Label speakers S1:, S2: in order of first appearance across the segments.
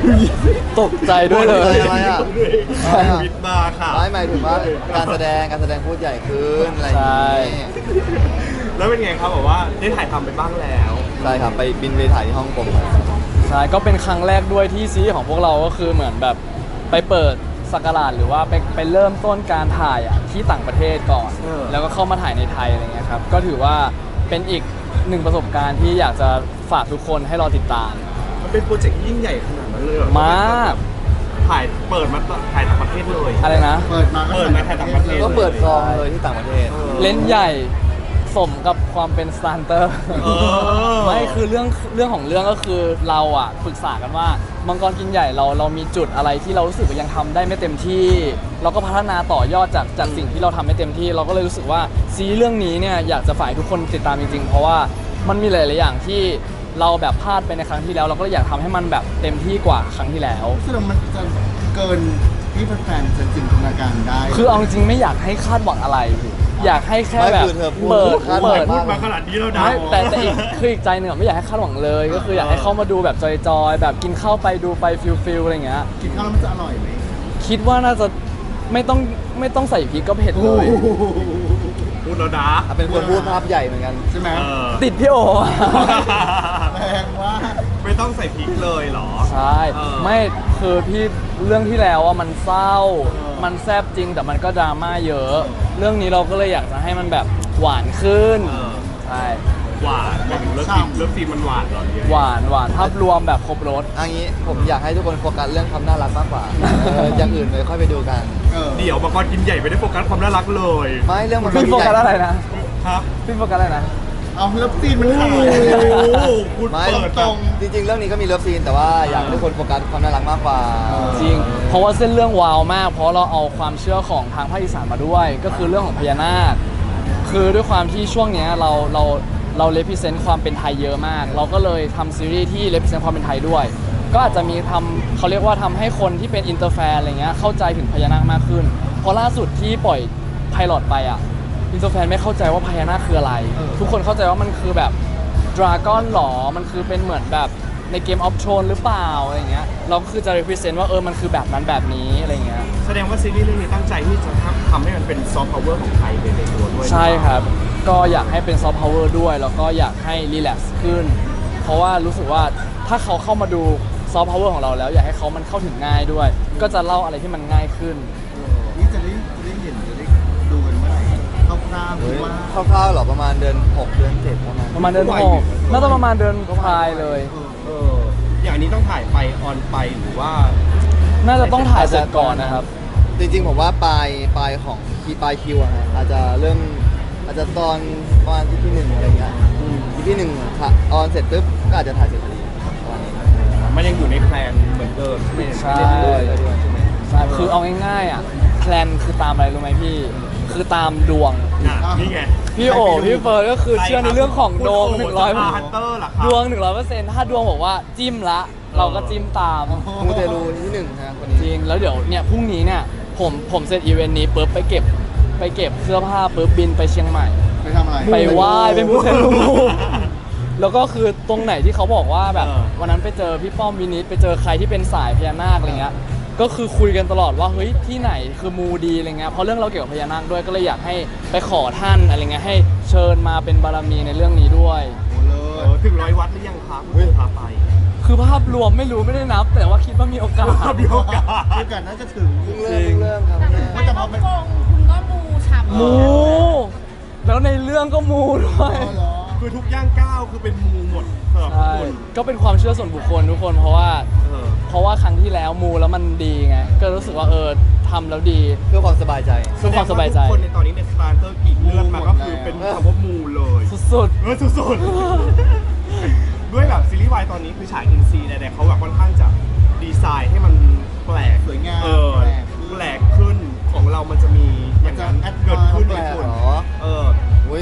S1: ตกใจด้วยเลย
S2: อะไรอ่ะ
S3: วิดมาค่ะ
S2: ไม่หมายถึงว่าการแสดงพูดใหญ่ขึ้นอะไรอย่างนี้
S3: แล้วเป็นไงครับบอกว่าได้ถ่ายทำไปบ้างแล้ว
S2: ใช่ครับไปบินไปถ่ายที่ฮ่องกงมา
S1: ใช่ก็เป็นครั้งแรกด้วยที่ซีรีส์ของพวกเราก็คือเหมือนแบบไปเปิดสักราชหรือว่าไปเริ่มต้นการถ่ายที่ต่างประเทศก่อน แล้วก็เข้ามาถ่ายในไทยอะไรเงี้ยครับก็ถือว่าเป็นอีกหนึ่งประสบการณ์ที่อยากจะฝากทุกคนให้รอติดตาม
S3: มันเป็นโปรเจกต์ยิ่งใหญ่ขนาดนั้นเลยเหรอ
S1: มาก
S3: เปิดมาถ่ายต่างประเทศเลย
S1: อะไรนะ
S4: เปิดมา
S3: ถ่ายต่างประเทศ
S2: ก็เปิดกองเลยที่ต่างประเทศ
S1: เล่นใหญ่สมกับความเป็นสตาร์เตอร์ ไม่คือเรื่องของเรื่องก็คือเราปรึกษากันว่ามังกรกินใหญ่เรามีจุดอะไรที่เรารู้สึกว่ายังทำได้ไม่เต็มที่ เราก็พัฒนาต่อยอดจากสิ่งที่เราทำไม่เต็มที่ เราก็เลยรู้สึกว่าซีรีส์เรื่องนี้เนี่ยอยากจะฝ่ายทุกคนติดตามจริงๆเพราะว่ามันมีหลายๆอย่างที่เราแบบพลาดไปในครั้งที่แล้ว เราก็เลยอยากทำให้มันแบบเต็มที่กว่าครั้งที่แล้ว
S4: ซึ่งมันจะเกินที่แฟนๆจะจินตนาการได้
S1: คือเอาจริงๆไม่อยากให้คาดหวังอะไร อยากให้แค่แบบ
S2: ไม่คือเธอพูด
S1: เปิด
S2: คาดหวัง
S3: พูดมาขนาดนี้แล้วนะ
S1: ไม่แต่อีกใจหนึ่งไม่อยากให้คาดหวังเลย ก็คืออยากให้เข้ามาดูแบบจอยๆแบบกินข้าวไปดูไปฟิลอะไรอย่างเงี้ย
S4: กินข้าวแล้วมันจะอร่อยไหม
S1: คิดว่าน่าจะไม่ต้องใส่พริกก็เผ็ดเลย
S3: พูดแล้วนะ
S2: เป็นคนพูดภาพใหญ่เหมือนกัน
S4: ใช่ไหม
S3: เออ
S1: ติดพี่โอ
S4: แรงว่า
S3: ไม่ต้องใส่พริกเลยเหรอ
S1: ใช่
S3: เออ
S1: ไม่คือพี่เรื่องที่แล้วมันเศร้า มันแซ่บจริงแต่มันก็ดราม่าเยอะ เรื่องนี้เราก็เลยอยากจะให้มันแบบหวานขึ้นใช่
S3: หวานไปถึงเลิฟซีนมันหวานเหรอเนี่ย
S1: หวานภาพรวมแบบครบรส
S2: อันนี้ผมอยากให้ทุกคนโฟกัสเรื่องความน่ารักมากกว่าอย่างอื่นเลยค่อยไปดูกัน
S3: เดี๋ยวมังกรกินใหญ่ไม่ได้โฟกัสความน่ารักเลย
S2: ไม่เรื่องมัน
S1: พี่โฟกัสอะไรนะ
S3: ครับ
S1: พี่โฟกัสอะไรนะ
S4: เอาเลิฟซีนมันขาย
S3: โอ้โหคุณ
S2: ไม่
S3: เปิด
S4: ตรง
S2: จริงๆเรื่องนี้ก็มีเลิฟซีนแต่ว่าอยากให้ทุกคนโฟกัสความน่ารักมากกว่า
S1: จริง เพราะว่าเส้นเรื่องวาวมาก เพราะเราเอาความเชื่อของทางภาคอีสานมาด้วย ก็คือเรื่องของพญานาค คือด้วยความที่ช่วงเนี้ยเราเลพิเซนต์ความเป็นไทยเยอะมาก เราก็เลยทำซีรีส์ที่เลพิเซนต์ความเป็นไทยด้วย ก็อาจจะมีเขาเรียกว่าทำให้คนที่เป็นอินเตอร์แฟนอะไรเงี้ยเข้าใจถึงพญานาคมากขึ้น เพราะล่าสุดที่ปล่อยไพลอตไปอินเตอร์แฟนไม่เข้าใจว่าพญานาคคืออะไร ทุกคนเข้าใจว่ามันคือแบบดราก้อนหรอ มันคือเป็นเหมือนแบบในเกมออฟโทรนหรือเปล่าอะไรเงี้ย เราก็คือจะ represent ว่ามันคือแบบนั้นแบบนี้อะไรเงี้ย
S3: แสดงว่าซีรีส์เรื่องนี้ตั้งใจที่จะทำให้มันเป็นซอฟต์พาวเวอร์ของไทยไปในตัวด้วย
S1: ใช่ครับ ก็อยากให้เป็นซอฟต์พาวเวอร์ด้วย แล้วก็อยากให้รีแลกซ์ขึ้น เพราะว่ารู้สึกว่าถ้าเขาเข้ามาดูซอฟต์พาวเวอร์ของเราแล้ว อยากให้เขามันเข้าถึงง่ายด้วย ก็จะเล่าอะไรที่มันง่ายขึ้น
S4: นี่จะได้เห็นจะได้ดูกันเมื่อไหร่คร่าวๆหรือว่า
S2: คร่าวๆเหรอประมาณเดือน 6 เดือน 7 ประมาณ
S1: ประมาณเดือน6น่าจะประมาณเดือนปลายเลย
S3: เอออย่างนี้ต้องถ่ายไปออนไปหรือว่า
S1: น่าจะต้องถ่ายเสร็จก่อนนะครับ
S2: จริงๆผมว่าปลายของปลายคิวอะฮะอาจจะเริ่มอาจจะตอนประมาณที่หนึ่งอะไรเงี้ยที่หนึ่งค่ะออนเสร็จปุ๊บก็อาจจะถ่ายเสร็จพอดีประมาณนี้
S3: มันยังอยู่ในแพลนเหมือนเดิมใช่ไหม
S1: ใช่
S2: ด้วยใช่ไหม
S1: ใช่คือเอาง่ายๆแพลนคือตามอะไรรู้ไหมพี่ คือตามดวง
S3: นี่ไง
S1: พี่โอพี่เฟิร์นก็คือเชื่อในเรื่องของดวง
S3: ฮันเตอร์ล่ะครับ
S1: 100ดวง 100%ถ้าดวงบอกว่าจิ้มละ เราก็จิ้มตาม
S2: มูเตลูที่หนึ่งฮะคนนี้
S1: จริงแล้วเดี๋ยวเนี่ยพรุ่งนี้เนี่ยผมเสร็จอีเวนต์นี้ปุ๊บไปเก็บเสื้อผ้าปุ๊บบินไปเชียงใหม่
S4: ไปทำอะไร
S1: ไปไหว้เป็นมูเตลูแล้วก็คือตรงไหนที่เขาบอกว่าแบบวันนั้นไปเจอพี่ป้อมวินิตไปเจอใครที่เป็นสายพญานาคอะไรเงี้ยก็คือคุยกันตลอดว่าเฮ้ยที่ไหนคือมูดีอะไรเงี้ยเพราะเรื่องเราเกี่ยวกับพญานาคด้วยก็เลยอยากให้ไปขอท่านอะไรเงี้ยให้เชิญมาเป็นบารมีในเรื่องนี้ด้วย
S4: โอ้เล
S3: เอย อถึง100 วัดหรือยังครับคุณพาไป
S1: คือภาพรวมไม่รู้ไม่ได้นับ แต่ว่าคิดว่ามีโอกาส
S3: มีโอกาส
S4: โอกาสน่าจะถึง
S2: เริ่มครับ
S4: ว่าจะมาเป็น
S5: ฮ่องกงคุณก็มูฉ่ำ
S1: มูแล้วในเรื่องก็มูด้วย
S4: อ๋อเหรอ
S3: คือทุกย่างก้าวคือเป็นมูหมดสำหรับทุก
S1: ใช่
S3: คน
S1: ก็เป็นความเชื่อส่วนบุคคลทุกคนเพราะว่า
S3: เออ
S1: ครั้งที่แล้วมูแล้วมันดีไงก็รู้สึกว่าทำแล้วดี
S2: เพื่อความสบายใจ
S1: เพื่อความสบายใจ
S3: ทุกคนในตอนนี้ในสตาร์เตอร์กีกเลือดมาก็คือเป็นคำว่ามูเลย
S1: สุด
S3: เออสุดๆ ด้วยแบบซีรีส์วายตอนนี้คือฉายอินซีแต่เขาแบบค่อนข้างจะดีไซน์ให้มันแปลก
S4: สวยงาม
S3: เออแปลกขึ้นของเรามันจะมีอย่างนั้นเกิดขึ้น
S2: แป
S3: ใน
S2: ลก
S3: คน
S2: เหรอ
S3: เออ
S2: อุ้ย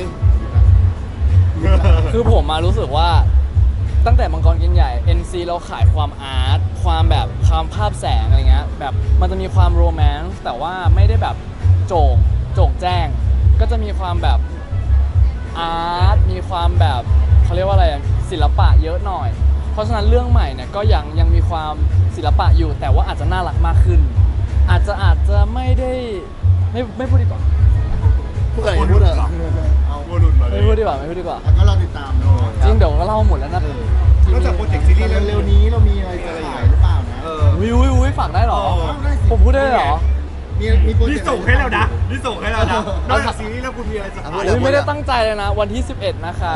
S1: ๆ คือผมมารู้สึกว่าตั้งแต่มังกรกินใหญ่ NC เราขายความอาร์ตความแบบความภาพแสงอะไรเงี้ยแบบมันจะมีความโรแมนต์แต่ว่าไม่ได้แบบโจ่งแจ้ง ก็จะมีความแบบอาร์ตมีความแบบเขาเรียกว่าอะไรศิลปะเยอะหน่อยเพราะฉะนั้นเรื่องใหม่เนี่ยก็ยังมีความศิลปะอยู่ แต่ว่าอาจจะน่ารักมากขึ้น อาจจะไม่ได้ไม่พูดดีกว่า
S2: พูดอะไรพูดอะ
S4: เอา
S3: โมลุนมาเลย
S1: ไม่พูดดีกว่าไม่พูดดีกว่า
S4: แล้วก็รอติดตามเนาะ
S1: จริงเดี๋ยวก็เล่าหมดแล้วนะ
S3: นอกจากโปรเจกต์ซีรีส์
S4: เร็วๆนี้เรามีอะไรจะขายหรือเปล่านะ
S1: วิวฝากได้เหรอ ผมพูดได้เหรอ
S4: มีโปรเจ
S3: นี่
S4: กต์
S3: ส่งให้แล้วนะนี่ส่งให้แล้วนะนอกจากซีรีส์แล้วคุณมีอะไรจะขาย
S1: อุ๊ยไม่ได้ตั้งใจเลยนะ วันที่ 11 นะครับ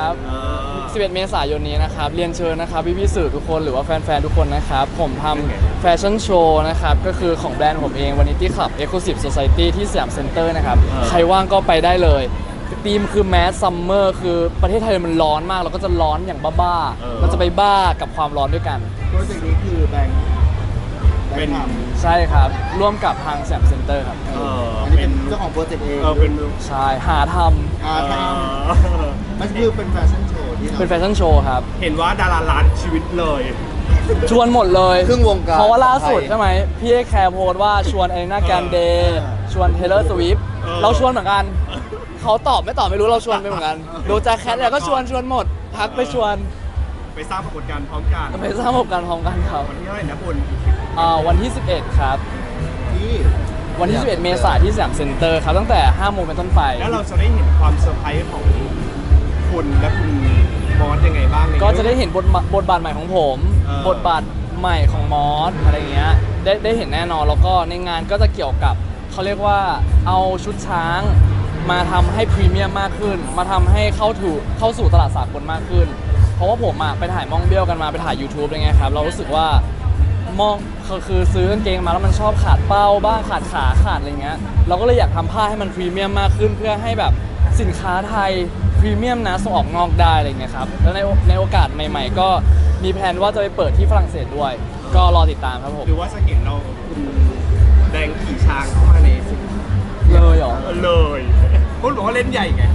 S1: 11 เมษายนนี้นะครับ เรียนเชิญนะครับพี่ๆสื่อทุกคนหรือว่าแฟนๆ ทุกคนนะครับ ผมทำแฟชั่นโชว์นะครับ ก็คือของแบรนด์ผมเอง Vanity Club Exclusive Society ที่สยามเซ็นเตอร์นะครับ ใครว่างก็ไปได้เลยธีมคือแมสซัมเมอร์คือประเทศไทยมันร้อนมาก เราก็จะร้อนอย่างบ้าๆเราจะไปบ้ากับความร้อนด้วยกัน
S4: โปรเจกต์นี้คือแบงค์ทำ
S1: ใช่ครับ ร่วมกับทางสยามเซ็นเตอร์ครับ
S4: อันนี้เป็นเจ้าของโปรเจกต์เอง
S3: เป็น
S1: ใช่ หาท
S4: มันคือเป็นแฟชั่นโชว์ที่
S1: ำเป็นแฟชั่นโชว์ครับ
S3: เห็นว่าดาราล้านชีวิตเลย
S1: ชวนหมดเลย
S2: ครึ่งวงการ
S1: เพราะว่าล่าสุด
S2: ไทย
S1: ใช่ไหมพี่เอแคร์โพสต์ว่าชวน a อ e n a แกนเดย์ชวนเทเลอร์สวิฟเราชวนเหมือนกัน เขาตอบไม่ตอบไม่รู้เราชวนไปเหมือนกันดูแจ็คแคทแล้วก็ชวนหมดทักไปชวน
S3: ไปสร้างปรากฏการณ์พร้อมกัน
S1: ไปสร้างประสบการณ์พร้อมกันครับ
S3: วันที่เท่าไหร่นะคุณ
S1: วันที่ 11 ครับ
S4: ที่
S1: วันที่ 11 เมษายนที่สยามเซ็นเตอร์ครับตั้งแต่ 5 โมงเป็นต้นไป
S3: แล้วเราจะได้เห็นความเซอร์ไพรส์ของคุณและคุณบอสยังไงบ้างใน
S1: ก็จะได้เห็นบทบาทใหม่ของผม บทบาทใหม่ของมอสอะไรเงี้ยได้เห็นแน่นอนแล้วก็ในงานก็จะเกี่ยวกับเขาเรียกว่าเอาชุดช้างมาทำให้พรีเมียมมากขึ้น มาทำให้เข้าสู่ตลาดสากลมากขึ้น เพราะว่าผมไปถ่ายมองเบี้ยวกันมาไปถ่าย YouTube อะไรเงี้ยครับเรารู้สึกว่ามองคือซื้อกางเกงมาแล้วมันชอบขาดเป้าบ้างขาดขาขาดอะไรเงี้ยเราก็เลยอยากทำผ้าให้มันพรีเมียมมากขึ้นเพื่อให้แบบสินค้าไทยพรีเมียมนะส่งออกนอกได้อะไรเงี้ยครับแล้วในโอกาสใหม่ๆ ก็มีแผนว่าจะไปเปิดที่ฝรั่งเศสด้วย ก็รอติดตามครับผม
S3: หรือว่าจะเห็นเราคุณแดงขี่ช้างเข้ามาในสิ่ง
S1: เลยเหรอ
S3: เลยคุณบอกว่าเล่นใหญ่ไง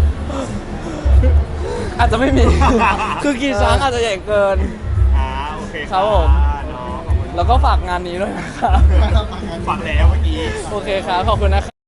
S1: อาจจะไม่มี คือกี่ช้างอาจจะใหญ่เกิน
S3: โอเค
S1: ครับผม
S3: เนาะขอบคุณ
S1: แล้วก็ฝากงานนี้ด้วยนะครับ
S3: ฝากแล้วเมื่อกี้
S1: โอเคครับ ขอบคุณนะครับ